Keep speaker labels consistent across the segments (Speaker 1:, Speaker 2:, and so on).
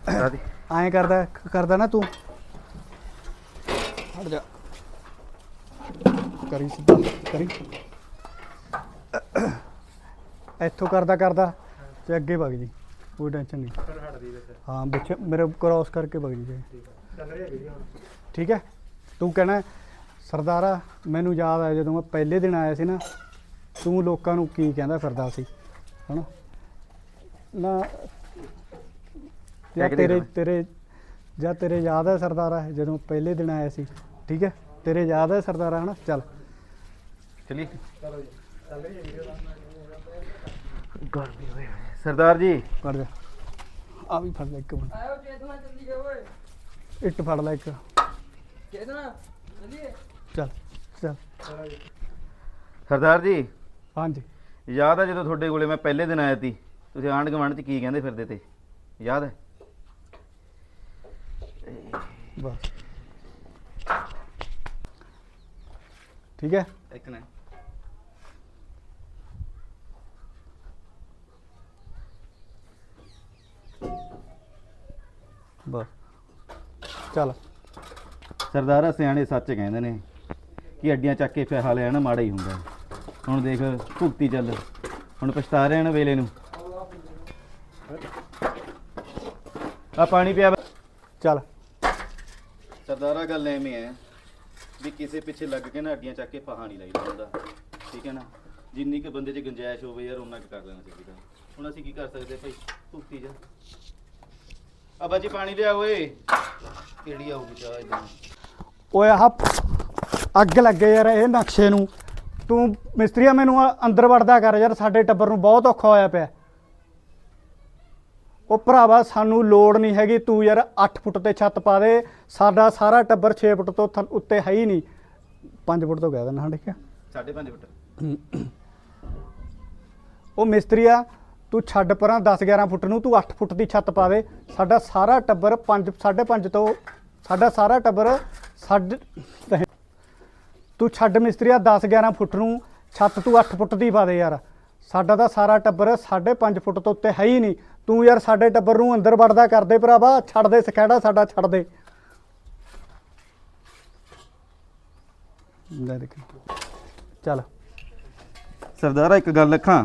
Speaker 1: ਐਂ ਕਰਦਾ ਨਾ ਤੂੰ ਹਟ ਜਾ ਕਰੀ ਸਿੱਧਾ ਕਰੀ ਇੱਥੋਂ ਕਰਦਾ ਤੇ ਅੱਗੇ ਵਗ ਜੀ ਕੋਈ ਟੈਨਸ਼ਨ ਨਹੀਂ ਹਾਂ ਵਿੱਚ ਮੇਰੇ ਕ੍ਰੋਸ ਕਰਕੇ ਵਗ ਜੀ ਠੀਕ ਹੈ ਤੂੰ ਕਹਿਣਾ ਸਰਦਾਰਾ ਮੈਨੂੰ ਯਾਦ ਆਇਆ ਜਦੋਂ ਮੈਂ ਪਹਿਲੇ ਦਿਨ ਆਇਆ ਸੀ ਨਾ ਤੂੰ ਲੋਕਾਂ ਨੂੰ ਕੀ ਕਹਿੰਦਾ ਫਿਰਦਾ ਸੀ ਹਨਾ ਨਾ ਜਾਂ ਤੇਰੇ ਯਾਦ ਹੈ ਸਰਦਾਰਾ ਜਦੋਂ ਪਹਿਲੇ ਦਿਨ ਆਇਆ ਸੀ ਠੀਕ ਹੈ ਤੇਰੇ ਯਾਦ ਹੈ ਸਰਦਾਰਾ ਹਨਾ ਚੱਲ
Speaker 2: ਚਲੀ ਸਰਦਾਰ ਜੀ
Speaker 1: ਫੜ ਜਾ ਆ ਵੀ ਫੜ ਲੈ ਇੱਕ ਮਿੰਟ ਇੱਟ ਫੜ ਲੈ ਇੱਕ ਚੱਲ ਚੱਲ
Speaker 2: ਸਰਦਾਰ ਜੀ
Speaker 1: ਹਾਂਜੀ
Speaker 2: ਯਾਦ ਹੈ ਜਦੋਂ ਤੁਹਾਡੇ ਕੋਲੇ ਮੈਂ ਪਹਿਲੇ ਦਿਨ ਆਇਆ ਸੀ ਤੁਸੀਂ ਆਂਢ ਗੁਆਂਢ 'ਚ ਕੀ ਕਹਿੰਦੇ ਫਿਰਦੇ ਤੇ ਯਾਦ ਹੈ
Speaker 1: ਬਸ ਠੀਕ ਹੈ
Speaker 2: ਇੱਕ ਨਾ
Speaker 1: ਬਸ ਚੱਲ
Speaker 2: ਸਰਦਾਰਾ ਸਿਆਣੇ ਸੱਚ ਕਹਿੰਦੇ ਨੇ ਕਿ ਅੱਡੀਆਂ ਚੱਕ ਕੇ ਪੈਸਾ ਲੈਣਾ ਮਾੜਾ ਹੀ ਹੁੰਦਾ ਹੁਣ ਦੇਖ ਭੁਗਤੀ ਚੱਲ ਹੁਣ ਪਛਤਾ ਰਹੇ ਨੇ ਵੇਲੇ ਨੂੰ ਆ ਪਾਣੀ ਪਿਆ
Speaker 1: ਚੱਲ
Speaker 2: ਸਰਦਾਰਾ ਗੱਲ ਐਵੇਂ ਹੈ ਵੀ ਕਿਸੇ ਪਿੱਛੇ ਲੱਗ ਕੇ ਨਾ ਅੱਡੀਆਂ ਚੱਕ ਕੇ ਫਾਹਾ ਨਹੀਂ ਲਾਈਦਾ ਹੁੰਦਾ ਠੀਕ ਹੈ ਨਾ ਜਿੰਨੀ ਕੁ ਬੰਦੇ 'ਚ ਗੁੰਜਾਇਸ਼ ਹੋਵੇ ਯਾਰ ਉਹਨਾਂ ਕੁ ਕਰ ਲੈਣਾ ਚਾਹੀਦਾ ਹੁਣ ਅਸੀਂ ਕੀ ਕਰ ਸਕਦੇ ਭਾਈ ਭੁਗਤੀ ਜਾ ਆ ਬਾਜੀ ਪਾਣੀ ਲਿਆ ਓਏ ਕਿਹੜੀ ਆਊਗੀ ਚਾਹ ਇਦਾਂ
Speaker 1: ਓਏ ਆਹ ਅੱਗ ਲੱਗੇ ਯਾਰ ਇਹ ਨਕਸ਼ੇ ਨੂੰ ਤੂੰ ਮਿਸਤਰੀਆ ਮੈਨੂੰ ਅੰਦਰ ਵੜਦਾ ਕਰ ਯਾਰ ਸਾਡੇ ਟੱਬਰ ਨੂੰ ਬਹੁਤ ਔਖਾ ਹੋਇਆ ਪਿਆ ਉਹ ਭਰਾਵਾ ਸਾਨੂੰ ਲੋੜ ਨਹੀਂ ਹੈਗੀ ਤੂੰ ਯਾਰ 8 ਫੁੱਟ ਤੇ ਛੱਤ ਪਾ ਦੇ ਸਾਡਾ ਸਾਰਾ ਟੱਬਰ 6 ਫੁੱਟ ਤੋਂ ਉੱਤੇ ਹੈ ਹੀ ਨਹੀਂ 5 ਫੁੱਟ ਤੋਂ ਕਹਿ ਦੇਣਾ ਠੀਕ ਹੈ
Speaker 2: 5.5 ਫੁੱਟ
Speaker 1: ਉਹ ਮਿਸਤਰੀਆ ਤੂੰ ਛੱਡ ਪਰਾਂ 10-11 ਫੁੱਟ ਨੂੰ ਤੂੰ 8 ਫੁੱਟ ਦੀ ਛੱਤ ਪਾ ਦੇ ਸਾਡਾ ਸਾਰਾ ਟੱਬਰ 5.5 ਤੋਂ ਸਾਡਾ ਸਾਰਾ ਟੱਬਰ ਤੂੰ ਛੱਡ ਮਿਸਤਰੀਆ 10-11 ਫੁੱਟ ਨੂੰ ਛੱਤ ਤੂੰ 8 ਫੁੱਟ ਦੀ ਪਾ ਦੇ ਯਾਰ ਸਾਡਾ ਤਾਂ ਸਾਰਾ ਟੱਬਰ 5.5 ਫੁੱਟ ਤੋਂ ਉੱਤੇ ਹੈ ਹੀ ਨਹੀਂ ਤੂੰ ਯਾਰ ਸਾਡੇ ਟੱਬਰ ਨੂੰ ਅੰਦਰ ਵੜਦਾ ਕਰਦੇ ਭਰਾਵਾ ਛੱਡ ਦੇ ਸਖੈੜਾ ਸਾਡਾ ਛੱਡ ਦੇ ਲੈ ਦੇਖ ਚੱਲ
Speaker 2: ਸਰਦਾਰਾ ਇੱਕ ਗੱਲ ਰੱਖਾਂ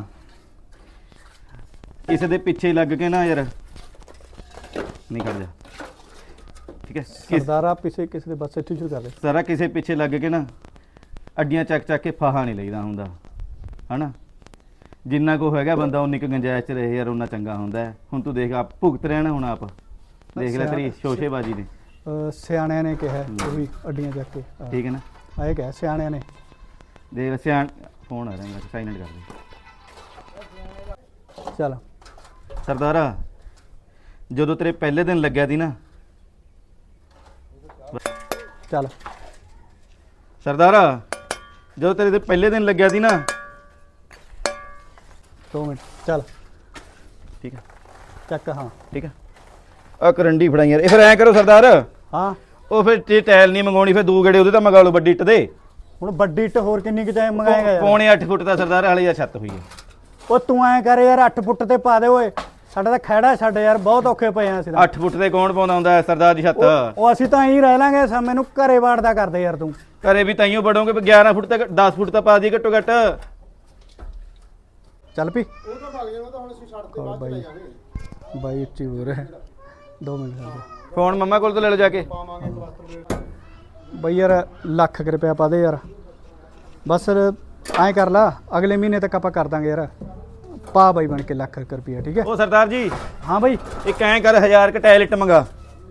Speaker 2: ਕਿਸੇ ਦੇ ਪਿੱਛੇ ਲੱਗ ਕੇ ਨਾ ਯਾਰ ਨਹੀਂ ਕਰ ਜਾ ਠੀਕ ਹੈ
Speaker 1: ਸਰਦਾਰਾ ਪਿੱਛੇ ਕਿਸੇ ਦੇ ਬਸ ਇੱਥੇ ਸ਼ੁਰੂ ਕਰ ਦੇ
Speaker 2: ਸਾਰਾ ਕਿਸੇ ਪਿੱਛੇ ਲੱਗ ਕੇ ਨਾ ਅੱਡੀਆਂ ਚੱਕ ਕੇ ਫਾਹਾ ਨਹੀਂ ਲਈਦਾ ਹੁੰਦਾ ਹਨਾ ਜਿੰਨਾ ਕੋ ਹੈਗਾ ਬੰਦਾ ਉਨੀ ਕੁ ਗੁੰਜਾਇਸ਼ 'ਚ ਰਹੇ ਯਾਰ ਉਹਨਾਂ ਚੰਗਾ ਹੁੰਦਾ ਹੁਣ ਤੂੰ ਦੇਖ ਆਪ ਭੁਗਤ ਰਹਿਣਾ ਹੁਣ ਆਪ ਦੇਖ ਲੈ ਤੇਰੀ ਸ਼ੋਸ਼ੇਬਾਜ਼ੀ ਨੇ
Speaker 1: ਸਿਆਣਿਆਂ ਨੇ ਕਿਹਾ ਉਹ ਵੀ ਅੱਡੀਆਂ ਚੱਕ ਕੇ
Speaker 2: ਠੀਕ ਹੈ ਨਾ
Speaker 1: ਆਏ ਕਿਹਾ ਸਿਆਣਿਆਂ ਨੇ
Speaker 2: ਦੇਖ ਸਿਆਣ ਫੋਨ ਆ ਰਿਹਾ ਮੇਰਾ ਸਾਈਲੈਂਟ ਕਰ ਦੇ
Speaker 1: ਚੱਲ
Speaker 2: ਸਰਦਾਰਾ ਜਦੋਂ ਤੇਰੇ ਪਹਿਲੇ ਦਿਨ ਲੱਗਿਆ ਸੀ ਨਾ
Speaker 1: ਚੱਲ
Speaker 2: ਸਰਦਾਰਾ ਜਦੋਂ ਤੇਰੇ ਪਹਿਲੇ ਦਿਨ ਲੱਗਿਆ ਸੀ ਨਾ
Speaker 1: 2 ਮਿੰਟ ਚੱਲ
Speaker 2: ਠੀਕ ਹੈ
Speaker 1: ਚੱਕ ਹਾਂ
Speaker 2: ਠੀਕ ਹੈ ਆ ਕਰੰਡੀ ਫੜਾਈ ਯਾਰ ਇਹ ਫਿਰ ਐਂ ਕਰੋ ਸਰਦਾਰ
Speaker 1: ਹਾਂ
Speaker 2: ਉਹ ਫਿਰ ਜੇ ਟਾਇਲ ਨਹੀਂ ਮੰਗਾਉਣੀ ਫਿਰ 2 ਗੇੜੇ ਉਹਦੇ ਤਾਂ ਮੰਗਾ ਲਓ ਵੱਡੀ ਇੱਟ ਦੇ
Speaker 1: ਹੁਣ ਵੱਡੀ ਇੱਟ ਹੋਰ ਕਿੰਨੀ ਕੁ ਚਾਹੇ ਮੰਗਾਏਗਾ ਯਾਰ
Speaker 2: ਪੌਣੇ 8 ਫੁੱਟ ਦਾ ਸਰਦਾਰ ਹਾਲੇ ਆ ਛੱਤ ਹੋਈ ਹੈ
Speaker 1: ਉਹ ਤੂੰ ਐਂ ਕਰ ਯਾਰ 8 ਫੁੱਟ ਤੇ ਪਾ ਦੇ ਓਏ ਸਾਡਾ ਤਾਂ ਖੈੜਾ ਛੱਡ ਯਾਰ ਬਹੁਤ ਔਖੇ ਪਏ ਆ ਅਸੀਂ ਤਾਂ
Speaker 2: 8 ਫੁੱਟ ਤੇ ਕੌਣ ਪਾਉਂਦਾ ਹੁੰਦਾ ਸਰਦਾਰ ਦੀ ਛੱਤ
Speaker 1: ਉਹ ਅਸੀਂ ਤਾਂ ਐਂ ਰਹਿ ਲਾਂਗੇ ਮੈਨੂੰ ਘਰੇ ਵਾੜਦਾ ਕਰਦੇ ਯਾਰ ਤੂੰ
Speaker 2: ਘਰੇ ਵੀ ਤਾਈਓ ਬੜੋਗੇ 11 ਫੁੱਟ ਤੱਕ 10 ਫੁੱਟ ਤਾਂ ਪਾ ਦੀ ਘੱਟੋ ਘੱਟ
Speaker 1: ਚੱਲ ਪੀ
Speaker 3: ਉਹ ਤਾਂ ਭੱਗ ਜਾਣਾ ਤਾਂ ਹੁਣ ਅਸੀਂ ਛੱਡ ਤੇ ਬਾਅਦ ਚ ਲੈ ਜਾਵਾਂਗੇ
Speaker 1: ਬਾਈ ਉੱਚੀ ਹੋ ਰਿਹਾ 2 ਮਿੰਟ ਕਰ
Speaker 2: ਫੋਨ ਮੰਮਾ ਕੋਲ ਤੋਂ ਲੈ ਲਓ ਜਾ ਕੇ
Speaker 3: ਪਾਵਾਂਗੇ ਪਲਸਤਰ ਦੇ
Speaker 1: ਬਈ ਯਾਰ ਲੱਖ ਰੁਪਇਆ ਪਾ ਦੇ ਯਾਰ ਬਸ ਐਂ ਕਰ ਲਾ ਅਗਲੇ ਮਹੀਨੇ ਤੱਕ ਆਪਾਂ ਕਰ ਦਾਂਗੇ ਯਾਰ ਪਾ ਬਾਈ ਬਣ ਕੇ ਲੱਖ ਰੁਪਇਆ ਠੀਕ ਹੈ
Speaker 2: ਉਹ ਸਰਦਾਰ ਜੀ
Speaker 1: ਹਾਂ ਬਾਈ
Speaker 2: ਇੱਕ ਐਂ ਕਰ 1000 ਕ ਟਾਇਲਟ ਮੰਗਾ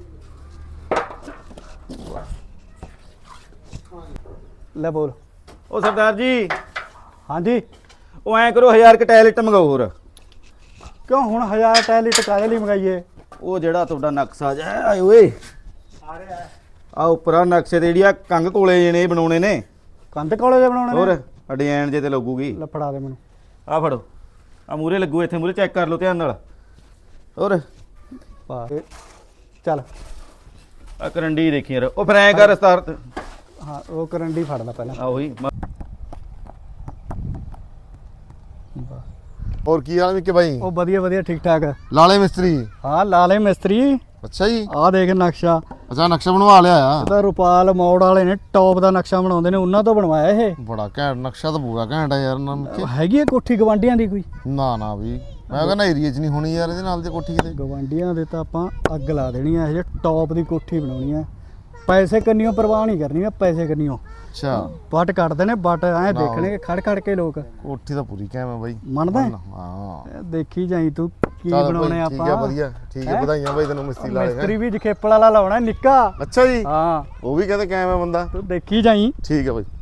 Speaker 1: ਲੈ ਬੋਲ
Speaker 2: ਉਹ ਸਰਦਾਰ ਜੀ
Speaker 1: ਹਾਂਜੀ
Speaker 2: ਉਹ ਐਂ ਕਰੋ 1000 ਕ ਟਾਇਲਟ ਮੰਗਾਓ ਹੋਰ
Speaker 1: ਕਿਉਂ ਹੁਣ 1000 ਟੈਲਿਟ ਕਾਹਦੇ ਲਈ ਮੰਗਾਈਏ
Speaker 2: ਉਹ ਜਿਹੜਾ ਤੁਹਾਡਾ ਨਕਸ਼ਾ ਜਾ ਆਏ ਓਏ ਆ ਉੱਪਰਾਂ ਨਕਸ਼ੇ ਤੇ ਜਿਹੜੀਆਂ ਕੰਗ ਕੋਲੇ ਜਿਹੇ ਬਣਾਉਣੇ ਨੇ
Speaker 1: ਕੰਧ ਕੋਲੇ ਦੇ ਬਣਾਉਣੇ
Speaker 2: ਹੋਰ ਡਿਜ਼ਾਈਨ ਜੇ ਤੇ ਲੱਗੂਗੀ
Speaker 1: ਲੈ ਫੜਾ ਦੇ ਮੈਨੂੰ
Speaker 2: ਆ ਫੜੋ ਆ ਮੂਰੇ ਲੱਗੂ ਇੱਥੇ ਮੂਰੇ ਚੈੱਕ ਕਰ ਲਓ ਧਿਆਨ ਨਾਲ ਹੋਰ
Speaker 1: ਪਾ ਚੱਲ
Speaker 2: ਆ ਕਰੰਡੀ ਦੇਖੀ ਯਾਰ ਉਹ ਫਿਰ ਐਂ ਕਰ ਰਸਤਾਰ
Speaker 1: ਹਾਂ ਉਹ ਕਰੰਡੀ ਫੜ ਲੈ ਪਹਿਲਾਂ
Speaker 2: ਆ ਉਹੀ
Speaker 3: ਹੋਰ ਕੀ ਹਾਲ ਹੈ ਕਿ ਬਾਈ
Speaker 1: ਉਹ ਵਧੀਆ ਵਧੀਆ ਠੀਕ ਠਾਕ
Speaker 3: ਲਾਲੇ ਮਿਸਤਰੀ
Speaker 1: ਹਾਂ ਲਾਲੇ ਮਿਸਤਰੀ
Speaker 4: ਅੱਛਾ ਜੀ,
Speaker 1: ਆਹ ਦੇਖ ਨਕਸ਼ਾ,
Speaker 4: ਅੱਛਾ ਨਕਸ਼ਾ ਬਣਵਾ ਲਿਆ ਆ।
Speaker 1: ਇਹਦਾ ਰੁਪਾਲ ਮੋੜ ਵਾਲੇ ਨੇ ਟੌਪ ਦਾ ਨਕਸ਼ਾ ਬਣਾਉਂਦੇ ਨੇ, ਉਹਨਾਂ ਤੋਂ ਬਣਵਾਇਆ ਇਹ।
Speaker 4: ਬੜਾ ਘੈਂਟ ਨਕਸ਼ਾ ਤਾਂ ਪੂਰਾ ਘੈਂਟ ਆ ਯਾਰ
Speaker 1: ਹੈਗੀ ਹੈ ਕੋਠੀ ਗਵਾਂਢੀਆਂ ਦੀ ਕੋਈ?
Speaker 4: ਨਾ ਵੀ ਮੈਂ ਕਹਿੰਦਾ ਏਰੀਆ 'ਚ ਨਹੀਂ ਹੋਣੀ ਯਾਰ ਇਹਦੇ ਨਾਲ ਦੀ ਕੋਠੀ ਕਿਤੇ।
Speaker 1: ਗਵਾਂਢੀਆਂ ਦੇ ਤਾਂ ਆਪਾਂ ਅੱਗ ਲਾ ਦੇਣੀ ਆ, ਇਹ ਜੇ ਟੌਪ ਦੀ ਕੋਠੀ ਬਣਾਉਣੀ ਆ। ਪੈਸੇ ਕੰਨੀਓ ਪਰਵਾਹ ਨਹੀਂ ਕਰਨੀ ਆ, ਪੈਸੇ ਕੰਨੀਓ
Speaker 4: ਅੱਛਾ
Speaker 1: ਵੱਟ ਕੱਢਦੇ ਨੇ, ਵੱਟ ਐ ਦੇਖਣੇ ਖੜ ਖੜ ਕੇ ਲੋਕ।
Speaker 4: ਕੋਠੀ ਤਾਂ ਪੂਰੀ ਘੈਂਟ ਆ ਬਾਈ,
Speaker 1: ਮੰਨਦਾ ਹੈ?
Speaker 4: ਹਾਂ
Speaker 1: ਇਹ ਦੇਖੀ ਜਾਈ ਤੂੰ ਕੀ
Speaker 4: ਚੱਲ
Speaker 1: ਬਣਾਉਣੇ
Speaker 4: ਬਾਈ, ਠੀਕ ਹੈ
Speaker 1: ਆਪਾਂ।
Speaker 4: ਵਧੀਆ, ਠੀਕ ਹੈ,
Speaker 1: ਹੈਂ?
Speaker 4: ਵਧਾਈਆਂ ਬਾਈ ਤੈਨੂੰ ਮਿਸਤਰੀ ਲਾ
Speaker 1: ਮਿਸਤਰੀ ਵੀ ਜਖੇਪਲ ਵਾਲਾ ਲਾਉਣਾ ਨਿੱਕਾ।
Speaker 4: ਅੱਛਾ ਜੀ,
Speaker 1: ਹਾਂ
Speaker 4: ਉਹ ਵੀ ਕਹਿੰਦੇ ਕਾਇਮ ਹੈ ਬੰਦਾ,
Speaker 1: ਤੂੰ ਦੇਖੀ ਜਾਈ।
Speaker 4: ਠੀਕ ਹੈ ਬਾਈ।